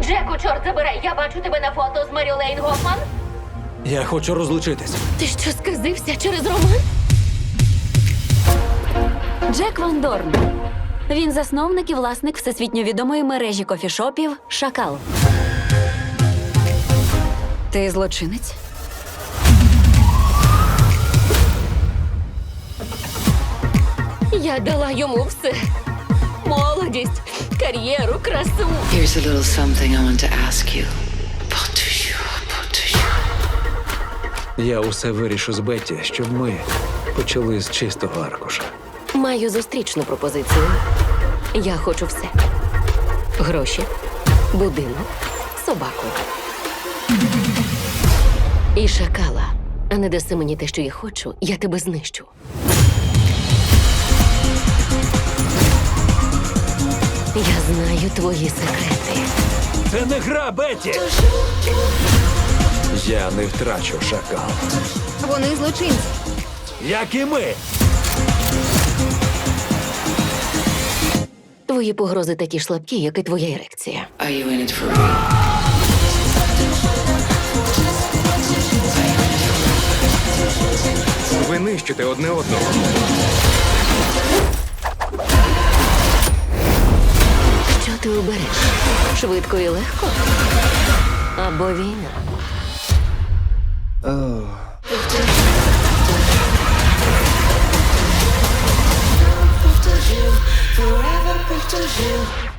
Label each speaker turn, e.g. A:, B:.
A: Джеку, чорт забирай, я бачу тебе на фото з Мері Лейн Гофман.
B: Я хочу розлучитись.
A: Ти що, сказився через роман?
C: Джек Ван Дорн. Він засновник і власник всесвітньо відомої мережі кофішопів «Шакал». Ти злочинець?
A: Я дала йому все. Молодість, кар'єру, красу.
D: Here's a little something I want to ask you. Pour
B: Я усе вирішу з Бетті, щоб ми почали з чистого аркуша.
A: Маю зустрічну пропозицію. Я хочу все. Гроші, будинок, собаку. І шакала. А не даси мені те, що я хочу, я тебе знищу. Я знаю твої секрети.
B: Це не гра, Бетті! Я не втрачу шакал.
E: Вони злочинці.
B: Як і ми!
A: Твої погрози такі ж слабкі, як і твоя ерекція.
D: Are you in it for real?
F: Ви нищите одне одного.
A: Що ти обереш? Швидко і легко? Або війна?
D: Forever after you.